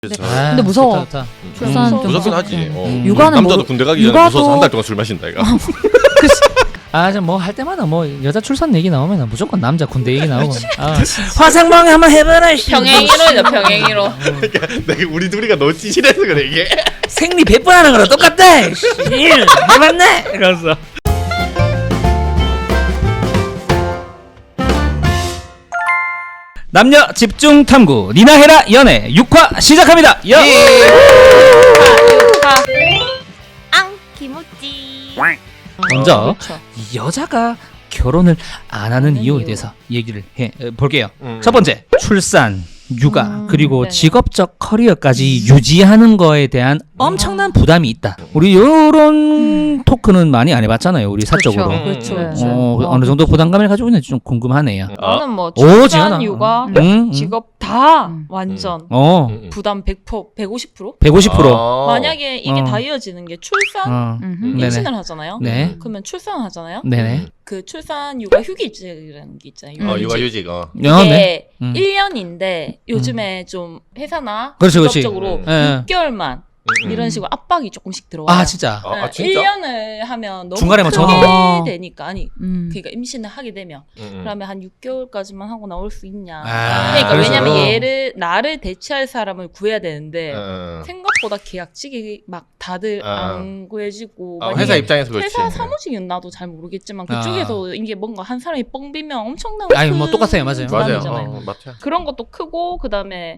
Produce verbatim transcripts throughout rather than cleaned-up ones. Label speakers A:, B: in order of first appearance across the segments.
A: 그렇죠.
B: 아,
C: 근데 무서워.
B: 좋다, 좋다.
C: 출산
B: 음,
C: 좀
A: 무섭긴
C: 무섭고.
A: 하지. 어.
C: 음. 육아는
A: 남자도
C: 뭐-
A: 군대 가기 전에
C: 육아도-
A: 무서워서 한 달 동안 술 마신다 이거.
B: 아, 저 뭐 할 때마다 뭐 여자 출산 얘기 나오면 무조건 남자 군대 얘기 나오고. 아, 화상방에 한번 해봐라. 씨.
D: 병행이로죠, 병행이로.
A: 그러니까 내가 우리 둘이가 너무 찌질해서 그래 이게.
B: 생리 백 번 하는 거랑 똑같다. 씨, 해봤네. 이러면서. 남녀 집중 탐구 니나헤라 연애 육 화 시작합니다. 여.
D: 앙 김우찌.
B: 먼저
D: 그렇죠.
B: 이 여자가 결혼을 안 하는
D: 하는
B: 이유에
D: 이유.
B: 대해서 얘기를 해 어, 볼게요.
A: 음.
B: 첫 번째, 출산, 육아,
D: 음,
B: 그리고
D: 네네.
B: 직업적 커리어까지 유지하는 거에 대한 엄청난 부담이 있다. 우리 요런 토크는 많이 안 해봤잖아요. 우리 사적으로.
A: 음.
D: 그렇죠,
A: 음.
D: 그렇죠.
B: 어, 어느 정도 부담감을 가지고 있는지 좀 궁금하네요.
D: 나는 뭐
B: 오, 지연아.
D: 출산, 육아,
B: 음, 음.
D: 직업 다
C: 음.
D: 완전
B: 어,
A: 음, 음.
D: 부담 백 퍼센트, 백오십 퍼센트?
B: 백오십 퍼센트.
A: 아.
D: 만약에 이게
B: 어.
D: 다 이어지는 게 출산,
B: 어,
C: 음흠.
A: 음.
B: 네네.
D: 임신을 하잖아요.
B: 네.
D: 그러면 출산을 하잖아요.
B: 네네.
D: 그 출산, 육아 휴직이라는 게 있잖아요.
A: 어,
D: 육아휴직.
A: 육아휴직. 어.
D: 이게
B: 어, 네. 음.
D: 일 년인데 요즘에 좀 회사나
B: 그렇지, 그렇지.
D: 직업적으로
A: 음.
B: 예.
D: 육 개월만
A: 음,
D: 이런
A: 음.
D: 식으로 압박이 조금씩 들어와요.
B: 아, 진짜.
A: 아, 아,
D: 일
A: 진짜?
D: 년을 하면 너무
B: 중간에 뭐
D: 크게
C: 전화.
D: 되니까 아니
C: 음.
D: 그러니까 임신을 하게 되면
A: 음, 음.
D: 그러면 한 육 개월까지만 하고 나올 수 있냐.
B: 아,
D: 그러니까
B: 그래서.
D: 왜냐면 얘를 나를 대체할 사람을 구해야 되는데
A: 어.
D: 생각보다 계약직이 막 다들
A: 아.
D: 안 구해지고
A: 아,
D: 만약에
A: 회사 입장에서 그렇지.
D: 회사 사무직은 나도 잘 모르겠지만
B: 아.
D: 그쪽에서 이게 뭔가 한 사람이 뻥 비면 엄청난
B: 아니, 뭐
D: 큰
B: 똑같아요. 맞아요.
A: 맞아요.
D: 부담이잖아요.
A: 어, 맞아요.
D: 그런 것도 크고 그다음에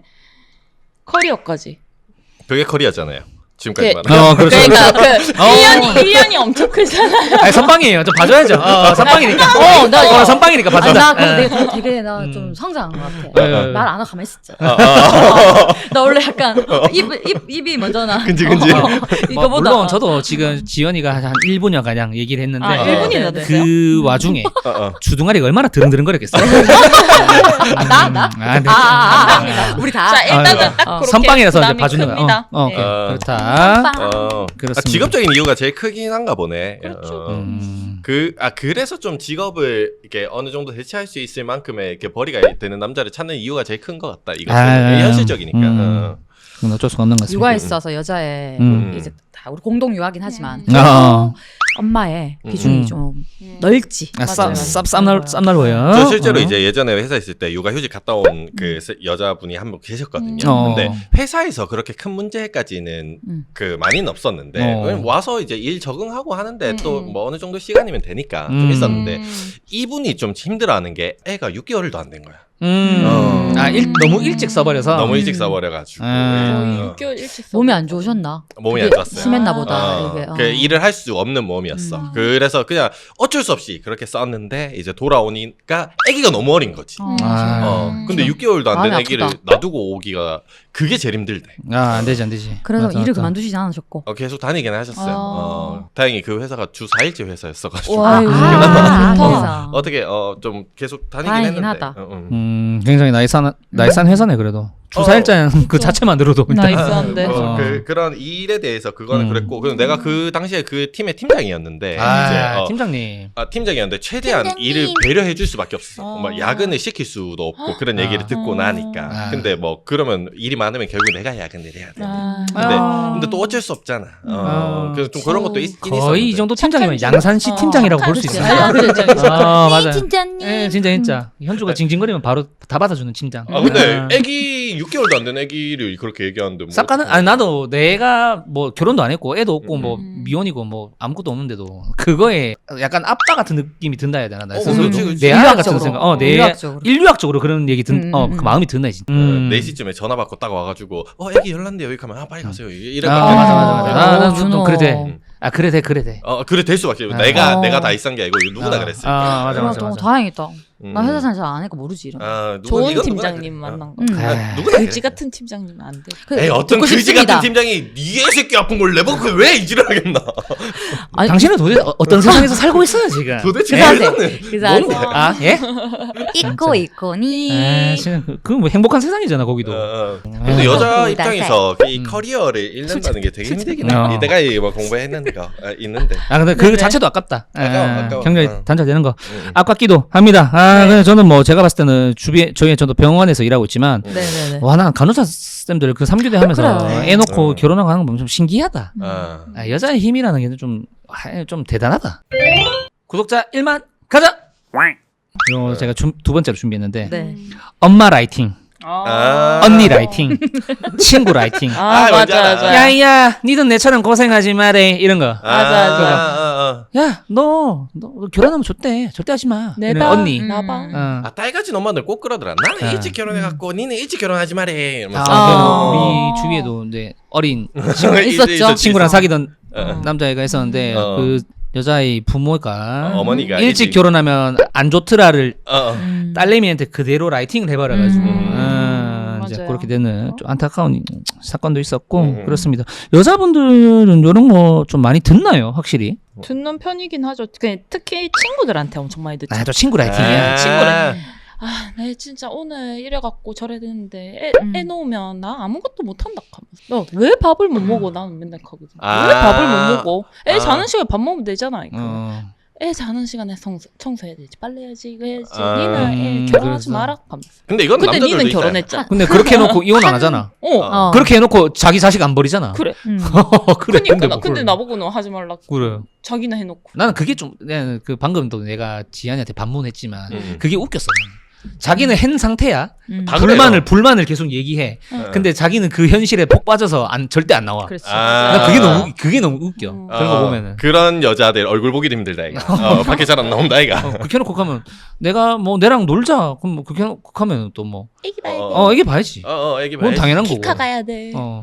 D: 커리어까지.
A: 그게 커리어잖아요. 지금까지
D: 그-
A: 말한.
B: 어, 그렇죠.
D: 그러니까 그
B: 어.
D: 일 년이 일 년이 엄청 크잖아요.
B: 아니, 선빵이에요. 좀 봐줘야죠. 어, 어, 선빵이니까.
C: 어, 나
B: 어, 선빵이니까
C: 아니,
B: 봐준다.
C: 나 그거
B: 예.
C: 내가 되게 나
B: 음.
C: 좀 성장한 것 같아.
B: 예.
C: 말 안 하고 가만히 있었잖아.
A: 아, 아,
C: 나 원래 약간 입, 입, 입이 먼저 나.
A: 근지, 근지.
C: 어,
B: 뭐,
C: 이거보다.
B: 물론 저도 지금 지연이가 한 일 분여 가량 얘기를 했는데
D: 아, 일 분이나
C: 네, 네.
D: 됐어요?
B: 그 와중에
A: 어, 어.
B: 주둥아리가 얼마나 드릉드릉거렸겠어요.
C: 아, 나? 나?
B: 아, 네.
C: 아, 아, 아, 우리 다.
D: 자 일단은
B: 아,
D: 딱
C: 어.
D: 그렇게
B: 선빵이라서 이제
D: 부담이
B: 봐주는 거야.
D: 큽니다.
B: 어, 어,
D: 네.
A: 어.
B: 그렇다.
A: 어.
B: 그렇습니다.
A: 아, 직업적인 이유가 제일 크긴 한가 보네.
D: 그렇죠.
A: 어.
B: 음.
A: 그, 아, 그래서 좀 직업을 이렇게 어느 정도 대체할 수 있을 만큼의 이렇게 벌이가 되는 남자를 찾는 이유가 제일 큰 것 같다. 이것은
B: 아,
A: 현실적이니까.
B: 음.
A: 어.
B: 그건 어쩔 수가 없는 것 같습니다.
C: 육아에 있어서 여자의
B: 음.
C: 이제 다 우리 공동 육아긴 하지만
D: 음.
B: 어.
C: 엄마의
A: 음.
C: 비중이
B: 음.
C: 좀
D: 음.
C: 넓지.
B: 아, 쌉,
D: 맞아요.
B: 쌉, 쌉날, 쌉날보여.
A: 저 실제로
B: 어.
A: 이제 예전에 회사 있을 때 육아휴직 갔다 온 그 여자분이 한 분 계셨거든요.
D: 음.
B: 어.
A: 근데 회사에서 그렇게 큰 문제까지는
C: 음.
A: 그 많이는 없었는데
B: 어.
A: 왜냐면 와서 이제 일 적응하고 하는데
D: 음,
A: 또
D: 음.
A: 뭐 어느 정도 시간이면 되니까 좀
B: 음.
A: 있었는데
D: 음.
A: 이분이 좀 힘들어하는 게 애가 육 개월도 안 된 거야.
B: 음.
A: 어.
B: 아, 일, 너무 일찍 써버려서.
A: 너무
C: 음.
A: 일찍 써버려가지고
B: 아.
D: 거의
A: 어.
D: 육 개월 일찍 써.
C: 몸이 안 좋으셨나?
A: 몸이
C: 그게
A: 안 좋았어요.
C: 심했나
D: 아.
C: 보다.
A: 어,
C: 이게. 어.
A: 그 일을 할 수 없는 몸이었어.
C: 음.
A: 그래서 그냥 어쩔 수 없이 그렇게 썼는데 이제 돌아오니까 아기가 너무 어린 거지.
C: 어.
B: 아.
A: 어,
D: 음.
A: 근데 육 개월도 안 된
C: 마음이
A: 아기를
C: 아프다.
A: 놔두고 오기가 그게 제일 힘들대.
B: 아, 안 되지, 안 되지.
C: 그래서
B: 맞아,
C: 일을
B: 맞아.
C: 그만두시지 않으셨고.
A: 어, 계속 다니긴 하셨어요.
C: 아.
A: 어, 다행히 그 회사가 주 사 일제 회사였어가지고
D: 와.
C: 아유,
D: 아,
C: 그래서.
A: 어떻게 어, 좀 계속 다니긴
C: 다행이긴
A: 했는데.
C: 하다.
A: 어, 어.
B: 음, 굉장히 나이산, 나이산 회사네, 그래도. 주사일자는 그 자체만 들어도. 일단.
D: 나이스한데.
A: 어,
B: 어.
A: 그, 그런 일에 대해서 그거는
B: 음.
A: 그랬고 그럼 내가 그 당시에 그 팀의 팀장이었는데
B: 아,
A: 이제 어,
B: 팀장님.
A: 아, 팀장이었는데 최대한
D: 팀장님.
A: 일을 배려해 줄 수밖에 없어.
D: 어.
A: 뭐 야근을 시킬 수도 없고 그런 얘기를
B: 아.
A: 듣고
D: 어.
A: 나니까.
B: 아.
A: 근데 뭐 그러면 일이 많으면 결국 내가 야근을 해야 돼.
D: 아.
A: 근데
B: 아.
A: 근데 또 어쩔 수 없잖아. 어,
B: 아.
A: 그래서 좀 그런 것도 있긴 있었는데.
B: 거의 이 정도 팀장이면
D: 착한
B: 양산시
D: 어,
B: 팀장이라고 볼 수
D: 착한
B: 있어요.
D: 아, 그렇죠, 그렇죠.
B: 아, 맞아요.
C: 진짜님.
B: 예, 진짜 진짜. 현주가 징징거리면 바로 다 받아주는 팀장.
A: 아 근데
B: 아.
A: 애기 육 개월도 안 된 애기를 그렇게 얘기하는데 뭐
B: 싹 가는 아니 나도 내가 뭐 결혼도 안 했고 애도 없고 뭐
D: 음.
B: 미혼이고 뭐 아무것도 없는데도 그거에 약간 아빠 같은 느낌이 든다 해야 되나 나
A: 어,
B: 스스로
A: 그렇지, 그렇지.
B: 내 아이 같은
C: 인류학적으로.
B: 생각 어내
C: 인류학적으로.
B: 인류학적으로 그런 얘기 든
C: 음,
B: 어
C: 음,
B: 그
C: 음.
B: 마음이 든다 진짜.
A: 음. 네 시쯤에 전화 받고 딱 와가지고 어 애기 열났는데요 여기 가면 아 빨리 가세요 이래
B: 아,
A: 아,
B: 맞아 맞아 맞아. 아,
C: 어,
B: 나좀
C: 준호.
B: 그래 돼. 아 그래 돼 그래 돼.
A: 어 그래 될 수밖에 없어.
B: 아.
A: 내가
C: 어.
A: 내가 다 이싼 게 아니고 누구나
B: 아.
A: 그랬을
B: 아,
A: 거야.
B: 맞아,
C: 어,
B: 맞아,
C: 너
B: 맞아.
C: 다행이다.
A: 음.
C: 나 회사 생활 잘안 하니까 모르지 이런 거.
A: 아, 누구-
D: 좋은
A: 이건 누구나
D: 팀장님
A: 그래.
D: 만난 거.
C: 음.
B: 아,
A: 누구나
D: 그지
A: 그래.
D: 같은 팀장님 안 돼.
C: 그,
A: 에이 어떤
C: 듣고
A: 그지
C: 싶습니다.
A: 같은 팀장이 네 새끼 아픈 걸 내보고 그왜 이지를 하겠나.
C: 아니,
B: 당신은 도대체 어- 어떤 세상에서 살고 있어요 지금?
A: 도대체
C: 그래서
A: 왜
C: 하세요.
A: 이러는-
C: 그래서
A: 뭔데?
C: 하세요.
B: 아 예?
C: 있고 있고니.
B: 아, 지금 그건 뭐 행복한 세상이잖아 거기도.
A: 어, 어.
B: 음.
A: 근데 여자
C: 음.
A: 입장에서 이
B: 음.
A: 커리어를 잃는다는 게 되게 힘들긴
B: 어.
A: 해. 내가 이 뭐 공부했는 거 아, 있는데.
B: 아 근데 그
C: 네네.
B: 자체도 아깝다.
A: 아까워, 아까워.
B: 경력이
A: 어.
B: 단절되는 거
A: 음.
B: 아깝기도 합니다. 아 아, 근데 저는 뭐 제가 봤을 때는 주변 저희 저도 병원에서 일하고 있지만
C: 네네네.
B: 와, 난 간호사 쌤들 그 삼 교대 하면서
C: 그래.
B: 애 놓고
A: 음.
B: 결혼하고 하는 거 보면 좀 신기하다.
A: 아.
B: 아, 여자의 힘이라는 게 좀 좀 대단하다. 구독자 일만 가자. 이거 제가 주, 두 번째로 준비했는데
C: 네.
B: 엄마 라이팅,
A: 아.
B: 언니 라이팅, 친구 라이팅.
D: 아,
A: 아, 뭔지
D: 맞아
A: 알아.
D: 맞아.
B: 야야, 니도 내처럼 고생하지 마래 이런 거.
A: 아,
D: 맞아, 맞아.
A: 아, 아,
B: 야, 너, 너 결혼하면 좋대. 절대 하지 마. 이런
D: 내봐.
B: 언니.
C: 음.
D: 나봐.
B: 어.
A: 아. 아, 딸 가진 엄마들 꼭 그러더라. 나는
B: 아.
A: 일찍 결혼해갖고 니는 일찍 결혼하지 말해. 이러면서.
B: 아,
C: 아.
B: 우리 주위에도 이제 어린
C: 있었죠.
A: 있었지,
B: 친구랑
A: 있었어.
B: 사귀던
A: 어.
B: 남자애가 있었는데
A: 어.
B: 그 여자의 부모가
A: 어, 어머니가
B: 일찍 결혼하면 안 좋더라를
A: 어, 어.
C: 음.
B: 딸내미한테 그대로 라이팅을 해버려가지고
C: 음.
B: 아, 이제
D: 맞아요.
B: 그렇게 되는 좀 안타까운 사건도 있었고
A: 음.
B: 그렇습니다. 여자분들은 이런 거 좀 많이 듣나요, 확실히?
D: 듣는 편이긴 하죠. 그냥 특히 친구들한테 엄청 많이 듣죠.
B: 아, 저 친구 라이팅이야.
A: 아.
D: 친구래. 아, 내 진짜 오늘 이래갖고 저래 되는데 애,
C: 음.
D: 애 놓으면 나 아무것도 못한다 하면서 너 왜 밥을 못 먹어? 나는 맨날 하거든.
A: 아.
D: 왜 밥을 못 먹어? 애
A: 아.
D: 자는 시간에 밥 먹으면 되잖아. 이거.
B: 어.
D: 애 자는 시간에 청소, 청소해야 되지, 빨래해야지, 이거 해야지.
A: 아.
D: 니는
B: 음,
D: 애 결혼하지
B: 그래서.
D: 마라 하면서.
A: 근데 이건
D: 근데
A: 남자들도
D: 니는
A: 있다.
D: 결혼했잖아.
B: 근데 그렇게 해놓고 이혼 안 하잖아.
D: 어,
A: 어.
B: 그렇게 해놓고 자기 자식 안 버리잖아.
D: 그래.
C: 음.
B: 그래.
D: 그러니까 나,
B: 뭐
D: 근데
B: 그래.
D: 나보고는 하지 말라고.
B: 그래.
D: 자기나 해놓고.
B: 나는 그게 좀, 내가 그 방금도 내가 지한이한테 반문했지만
A: 음.
B: 그게 웃겼어. 자기는 한 상태야.
C: 음.
A: 다
B: 불만을
A: 그래요.
B: 불만을 계속 얘기해.
A: 어.
B: 근데 자기는 그 현실에 폭 빠져서 안 절대 안 나와.
C: 그렇지.
A: 아.
B: 나 그게 너무 그게 너무 웃겨.
D: 음.
B: 그런 거
A: 어,
B: 보면은.
A: 그런 여자들 얼굴 보기도 힘들다 이거. 어, 밖에 잘 안 나온다 이거.
B: 어, 그렇게 해놓고 가면 내가 뭐 내랑 놀자. 그럼 뭐 그렇게 해놓고 가면 또 뭐.
D: 애기 봐야 돼.
A: 어,
B: 어, 이게 봐야지.
A: 어, 어, 애기
B: 그건
A: 봐야지.
B: 당연한 거고.
D: 키카 가야 돼.
B: 어.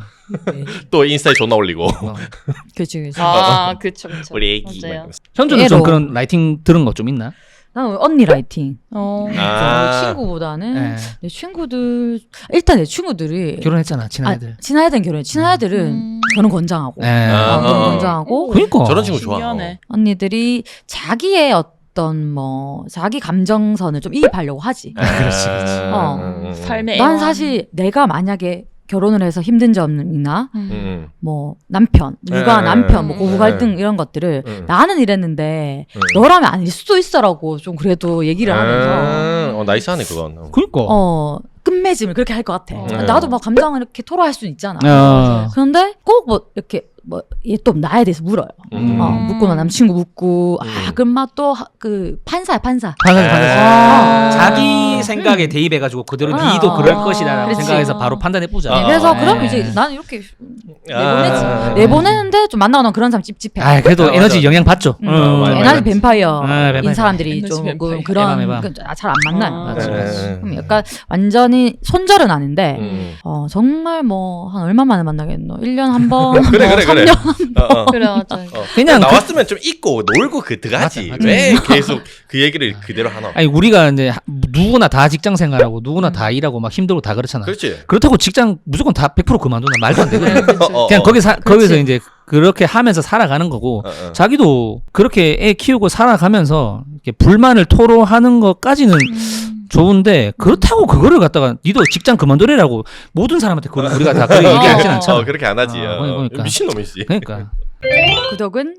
A: 또 인스타에 존나 올리고.
B: 어.
C: 그렇지, 그렇지.
D: 아, 그쵸, 그쵸.
A: 우리 애기. 막
D: 맞아요.
A: 이러면서.
B: 현주는 좀
C: 애로.
B: 그런 라이팅 들은 거 좀 있나?
C: 나는 언니 라이팅.
D: 어.
A: 아.
C: 저 친구보다는
B: 예.
C: 내 친구들 일단 내 친구들이
B: 결혼했잖아, 친한 애들.
C: 아, 친한 애들은 결혼. 친한 애들은
D: 음.
C: 결혼 권장하고.
B: 예.
A: 아,
C: 어, 결혼
A: 어.
C: 권장하고.
B: 그러니까.
A: 저런 친구 좋아.
D: 신기하네.
C: 언니들이 자기의 어떤 뭐 자기 감정선을 좀 이입하려고 하지.
A: 아,
B: 그렇지, 그렇지.
C: 어.
A: 음, 음,
D: 삶의
C: 난
D: 애환.
C: 사실 내가 만약에 결혼을 해서 힘든 점이나
D: 음.
A: 음,
C: 뭐 남편, 육아
A: 음.
C: 남편, 뭐 고부
A: 음.
C: 갈등 이런 것들을
A: 음.
C: 나는 이랬는데
A: 음.
C: 너라면 아닐 수도 있어라고 좀 그래도 얘기를 하면서
A: 아, 어, 나이스하네 그건. 어.
B: 그러니까.
C: 어 끝맺음을 그렇게 할 것 같아.
D: 어.
C: 나도 막 감정을 이렇게 토로할 수는 있잖아.
B: 어.
C: 그런데 꼭 뭐 이렇게 뭐 얘 또 나에 대해서 물어요.
A: 음.
C: 어, 묻고 나 남친구 묻고 아
A: 음.
C: 그럼 막또그 판사야 판사.
B: 판사지, 판사지.
C: 아.
B: 자기 생각에 대입해가지고 그대로
C: 아.
B: 니도 그럴
C: 아.
B: 것이라고
C: 그렇지.
B: 생각해서 바로 판단해보자.
A: 아.
C: 그래서
A: 아.
C: 그럼
B: 네.
C: 이제 나는 이렇게
A: 아.
C: 내보내지. 내보내는데 좀 만나고 나면 그런 사람 찝찝해.
B: 아, 그래도
A: 아,
B: 에너지
A: 맞아.
B: 영향 받죠.
C: 음,
B: 어,
A: 맞아,
B: 맞아.
A: 맞아.
C: 에너지 뱀파이어인
B: 아, 뱀파이어.
C: 사람들이
D: 에너지
C: 좀
D: 뱀파이어.
C: 그- 그런
B: 에바, 에바.
C: 잘 안 만나요.
D: 아.
B: 맞아, 맞아.
C: 그럼 약간 완전히 손절은 아닌데
A: 음.
C: 어 정말 뭐 한 얼마 만에 만나겠노? 일 년 한 번,
A: 그래
C: 뭐
A: 그래
C: 삼
A: 그래.
C: 년
A: 어, 어.
D: 그래, 맞아.
A: 어.
B: 그냥
A: 나왔으면 좀 있고 놀고 그 들어가지.
B: 맞아, 맞아.
A: 왜 계속 그 얘기를 그대로 하나?
B: 아니 우리가 이제 하- 누구나 다 직장 생활하고 누구나 다 일하고 막 힘들고 다 그렇잖아.
A: 그렇지.
B: 그렇다고 직장 무조건 다 백 퍼센트 그만두나 말도 안 되거든.
A: 어, 어,
B: 그냥
A: 어.
B: 거기 사, 거기서 이제 그렇게 하면서 살아가는 거고
A: 어, 어.
B: 자기도 그렇게 애 키우고 살아가면서 이렇게 불만을 토로하는 것까지는
D: 음.
B: 좋은데 그렇다고 그거를 갖다가 니도 직장 그만두래라고 모든 사람한테 그걸 우리가 다 그렇게 얘기하진
D: 어,
B: 않잖아.
A: 어, 그렇게 안 하지.
B: 어,
A: 어,
B: 그러니까.
A: 미친놈이지.
B: 그러니까
C: 구독은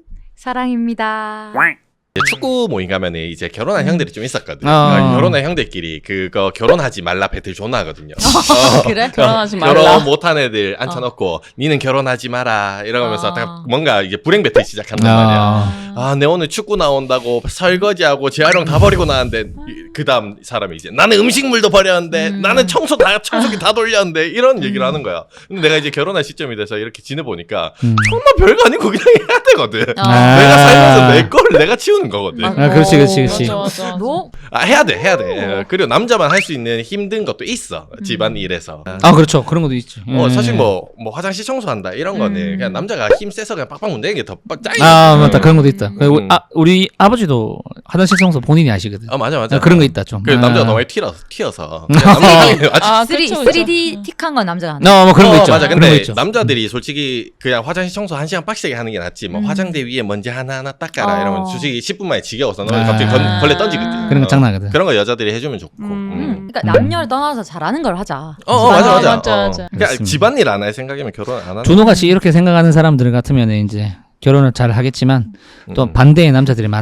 C: 사랑입니다.
A: 이제 축구 모임 가면은 이제 결혼한 형들이 좀 있었거든.
B: 어.
A: 그러니까 결혼한 형들끼리 그거 결혼하지 말라 배틀 존나 하거든요. 어.
C: 그래?
D: 결혼하지 말라.
A: 결혼 못한 애들 앉혀놓고 니는 결혼하지 마라 이러면서
C: 아.
A: 딱 뭔가 이제 불행 배틀 시작한단 말이야.
B: 아,
A: 아, 내 오늘 축구 나온다고 설거지하고 재활용 다 버리고 나왔는데 그 다음 사람이 이제 나는 음식물도 버렸는데
C: 음.
A: 나는 청소 다 청소기 다 돌렸는데 이런 얘기를 하는 거야. 근데 내가 이제 결혼할 시점이 돼서 이렇게 지내보니까
B: 음.
A: 정말 별거 아니고 그냥 해야 되거든.
B: 아.
A: 내가 살면서 내 거를 내가 치우는 거거든.
C: 아,
B: 아, 그렇지, 그렇지, 그렇지.
D: 맞아, 맞아, 맞아.
C: 너
A: 아, 해야 돼, 해야 돼. 그리고 남자만 할 수 있는 힘든 것도 있어. 집안 일에서.
B: 아 그렇죠 그런 것도 있지.
A: 어,
B: 예.
A: 사실 뭐, 뭐 화장실 청소한다 이런 거는
C: 음.
A: 그냥 남자가 힘 세서 그냥 빡빡 문대는 게 더 짱이야.
B: 아 맞다 그런 것도 있다. 그리고
A: 음.
B: 아 우리 아버지도 화장실 청소 본인이 하시거든.
A: 아 맞아 맞아.
B: 아, 그런 거 있다 좀.
A: 그
B: 아.
A: 남자가 너무 튀어서 튀어서. 남자들이 아직
D: 아,
C: 쓰리
D: 그쵸, 그쵸.
C: 쓰리디
D: 음.
C: 틱한 건 남자가 안 해.
B: 어, 뭐 그런 거
A: 어,
B: 있죠.
A: 맞아.
B: 그런 거
A: 근데
B: 있죠.
A: 남자들이 솔직히 그냥 화장실 청소 한 시간 빡세게 하는 게 낫지. 뭐
C: 음.
A: 화장대 위에 먼지 하나 하나 닦아라
C: 어.
A: 이러면 솔직히 십 분 만에 지겨워서 너
B: 아.
A: 갑자기 건, 걸레 던지거든.
B: 그런 거
A: 어.
B: 장난하거든.
A: 그런 거 여자들이 해주면 좋고.
D: 음.
A: 음.
C: 음, 그러니까 남녀를 떠나서 잘하는 걸 하자.
A: 어, 어 맞아
D: 아,
A: 맞아.
D: 맞아,
A: 어.
D: 맞아.
A: 그러니까
B: 그렇습니다.
A: 집안일 안 할 생각이면 결혼 안 하는.
B: 준호같이 이렇게 생각하는 사람들 같으면 이제 결혼을 잘 하겠지만 또
A: 음.
B: 반대의 남자들이 많죠.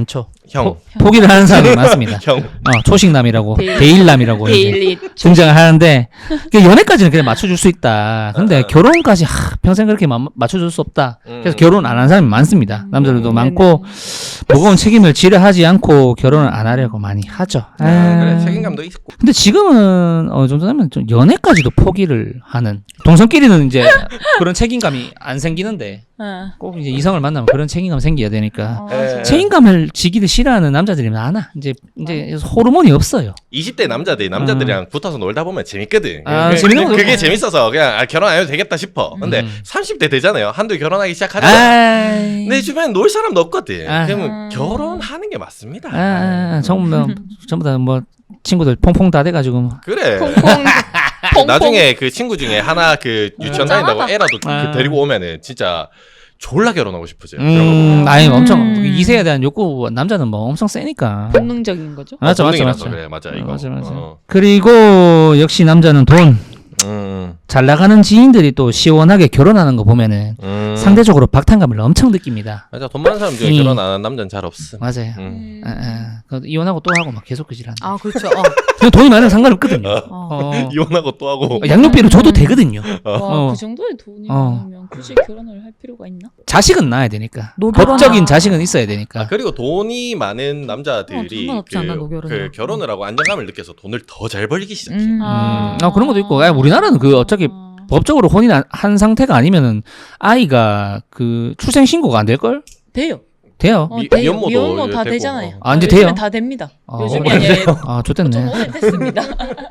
A: 형.
B: 포, 포기를 하는 사람이 많습니다.
A: 형.
B: 어, 초식남이라고
D: 데일-
B: 데일남이라고 이제
D: 데일리
B: 등장을 하는데 그 연애까지는 그냥 맞춰줄 수 있다. 근데
A: 어.
B: 결혼까지 하, 평생 그렇게 마, 맞춰줄 수 없다. 그래서
A: 음.
B: 결혼 안 하는 사람이 많습니다. 남자들도
D: 음,
B: 많고 무거운 책임을 지려하지 않고 결혼을 안 하려고 많이 하죠.
A: 아,
B: 아.
A: 그래 책임감도 있고.
B: 근데 지금은 어느 정도 되면 좀 연애까지도 포기를 하는 동성끼리는 이제 그런 책임감이 안 생기는데
D: 어.
B: 꼭 이제 이성을 만나면 그런 책임감 생겨야 되니까
D: 어,
A: 에.
B: 책임감을 지기를 싫어하는 남자들이 많아. 이제 이제 호르몬이 없어요.
A: 이십 대 남자들이 남자들이랑 붙어서 놀다 보면 재밌거든.
B: 아,
A: 그,
B: 재밌는
A: 그,
B: 거죠.
A: 그게 재밌어서 그냥 아, 결혼 안 해도 되겠다 싶어. 근데
B: 음.
A: 삼십 대 되잖아요. 한두 결혼하기 시작하잖아.
B: 아이.
A: 내 주변에 놀 사람도 없거든.
B: 아.
A: 그러면
D: 음.
A: 결혼하는 게 맞습니다.
B: 아, 아, 아, 전부 뭐, 전부 다 뭐 친구들 퐁퐁 다 돼가지고 뭐.
A: 그래.
D: 퐁퐁 퐁퐁.
A: 나중에 그 친구 중에 하나 그 유치원 다닌다고
C: 짠하다.
A: 애라도
B: 아.
A: 그 데리고 오면은 진짜 졸라 결혼하고 싶어져.
B: 음, 아니 엄청
C: 음.
B: 이세에 대한 욕구 남자는 뭐 엄청 세니까.
D: 본능적인 거죠.
B: 맞죠, 맞죠,
A: 본능이라서
B: 맞죠.
A: 그래, 맞아
B: 어,
A: 이거.
B: 맞아, 맞아.
A: 어.
B: 그리고 역시 남자는 돈.
A: 음,
B: 잘 나가는 지인들이 또 시원하게 결혼하는 거 보면은
A: 음.
B: 상대적으로 박탈감을 엄청 느낍니다.
A: 맞아 돈 많은 사람 중에
B: 음.
A: 결혼 안 하는 남자는 잘 없음.
B: 맞아요.
A: 음.
B: 아, 아, 그 이혼하고 또 하고 막 계속 그 질하는.
C: 아 그렇죠. 어.
B: 그냥 돈이 많으면 상관없거든요.
A: 어.
C: 어.
B: 어.
A: 이혼하고 또 하고.
B: 어, 양육비를 줘도
C: 음.
B: 되거든요.
D: 와,
B: 어.
D: 그 정도의 돈이
B: 어.
D: 많으면 굳이 결혼을 할 필요가 있나?
B: 자식은 낳아야 되니까.
C: 노결혼.
B: 법적인
C: 아.
B: 자식은 있어야 되니까.
A: 아, 그리고 돈이 많은
C: 어,
A: 남자들이
C: 상관없지 않나, 노결은요.
A: 그 결혼을 하고 안정감을 느껴서 돈을 더 잘 벌기 시작해.
C: 음.
B: 음, 아, 그런 것도 있고. 아, 우리나라는 그 어차피 법적으로 혼인 안- 한 상태가 아니면은 아이가 그 출생 신고가 안 될 걸?
D: 돼요.
B: 돼요.
D: 어,
A: 미-
D: 돼요.
A: 미혼모도
D: 미혼모 다
A: 되고.
D: 되잖아요.
B: 아, 이제
D: 요즘엔
B: 돼요?
D: 다 됩니다.
B: 아,
D: 요즘이
B: 어,
D: 아니라
B: 아,
D: 좀
B: 좋댔네.
D: 오래됐습니다.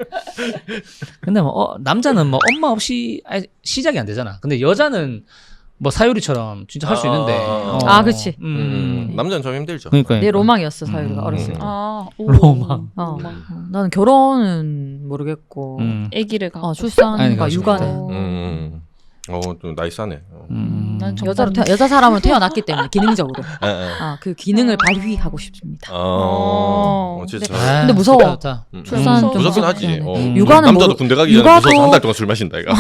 B: 근데 뭐 어, 남자는 뭐 엄마 없이 아니, 시작이 안 되잖아. 근데 여자는 뭐 사유리처럼 진짜 할 수
A: 아,
B: 있는데.
A: 아,
B: 어.
C: 아, 그치.
B: 음,
A: 음, 남자는 좀 힘들죠.
B: 그러니까.
C: 내 로망이었어 사유리가
B: 음.
C: 어렸을 때.
D: 아, 오.
B: 로망.
C: 어.
D: 로망.
C: 어, 나는 결혼은 모르겠고
B: 음.
D: 아기를 갖고
C: 어, 출산과
B: 아니, 그렇죠.
C: 육아는
A: 음, 음. 어, 좀 나이스하네. 어.
B: 음.
D: 난 좀-
C: 여자로 태, 여자 사람으로 태어났기 때문에 기능적으로
A: 아, 아.
C: 아, 그 기능을
D: 어.
C: 발휘하고 싶습니다.
A: 어, 어, 진짜.
C: 근데-
B: 아,
C: 근데 무서워.
B: 좋다, 좋다.
A: 음.
C: 출산
B: 좀
A: 무섭긴
C: 무서워.
A: 하지.
C: 네,
A: 어.
B: 네.
C: 육아는
A: 남자도
C: 모르-
A: 군대 가기 전에
C: 육아도-
A: 무서워서 한 달 동안 술 마신다 이가.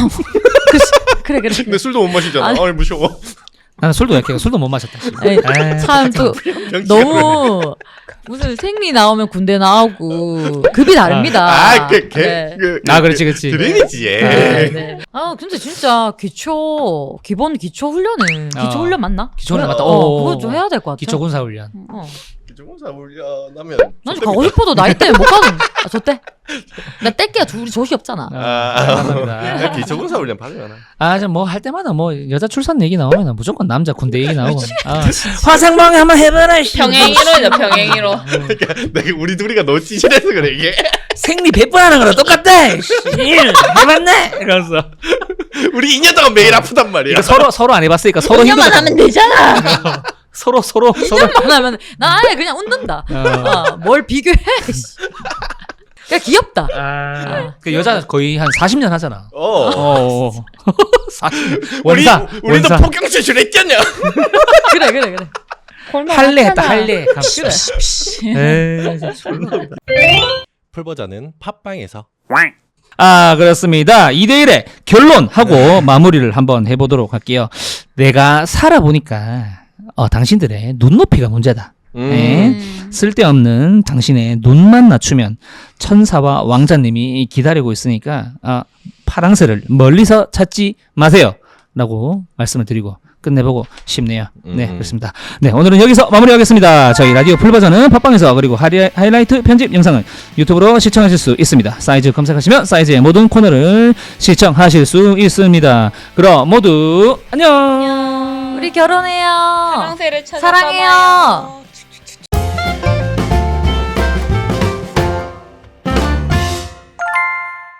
C: 그래 그래.
A: 근데 술도 못 마시잖아.
C: 아니.
A: 아, 무서워.
B: 나는 술도 약해. 술도 못 마셨다.
C: 에이,
B: 에이.
C: 참 또 너무 무슨 생리 나오면 군대 나오고 급이 다릅니다.
A: 아, 그, 개,
C: 네.
A: 그,
B: 아, 그렇지, 그렇지.
A: 드림이지. 얘.
C: 네, 네. 아 근데 진짜 기초 기본 기초 훈련은 기초
B: 어.
C: 훈련 맞나?
B: 기초 훈련
C: 그래,
B: 맞다.
C: 어,
B: 오.
C: 그거 좀 해야 될 것 같아.
B: 기초 군사 훈련.
C: 어.
A: 기초공사 훈련하면.
C: 난 좀 가고 싶어도 나이 때문에 못 가는. 아, 저때 나 뗄게야 우리 조시 없잖아.
A: 아,
B: 감사합니다.
A: 기초공사 훈련 받으면.
B: 아, 뭐 할 때마다 뭐 여자 출산 얘기 나오면 무조건 남자 군대 얘기 나오고. 아, 화상방에 한번 해봐라. 씨.
D: 병행이로죠, 병행이로.
A: 그러니까 내가 우리 둘이가 너무 찌질해서 그래 이게.
B: 생리 백 번 하는 거랑 똑같다. 씨. 해봤네. 이러면서.
A: 우리 이 년 동안 매일 아프단 말이야.
B: 이거 서로 서로 안 해봤으니까 서로
D: 만
B: 힘들어.
D: 하면 되잖아.
B: 서로 서로 서로.
C: 안 하면 나 아예 그냥 웃는다.
B: 어.
C: 아, 뭘 비교해? 씨. 그냥 귀엽다.
B: 아, 그 여자 거의 한 사십 년 하잖아.
A: 어.
B: 어. 사십 년.
A: 우리
B: 원사.
A: 우리도
B: 원사.
A: 폭경 수술했잖냐.
C: 그래 그래 그래.
B: 할래 했다 할래.
C: 그래.
B: 에이, 진짜.
A: 풀 버전은 팟빵에서.
B: 아, 그렇습니다. 이 대 일의 결론하고 마무리를 한번 해보도록 할게요. 내가 살아보니까 어, 당신들의 눈높이가 문제다. 네. 쓸데없는 당신의 눈만 낮추면 천사와 왕자님이 기다리고 있으니까 아, 파랑새를 멀리서 찾지 마세요. 라고 말씀을 드리고 끝내보고 싶네요. 네,
A: 음.
B: 그렇습니다. 네, 오늘은 여기서 마무리하겠습니다. 저희 라디오 풀버전은 팟빵에서 그리고 하리, 하이라이트 편집 영상은 유튜브로 시청하실 수 있습니다. 사이즈 검색하시면 사이즈의 모든 코너를 시청하실 수 있습니다. 그럼 모두 안녕.
C: 우리 결혼해요.
D: 사랑새를 찾아
C: 사랑해요.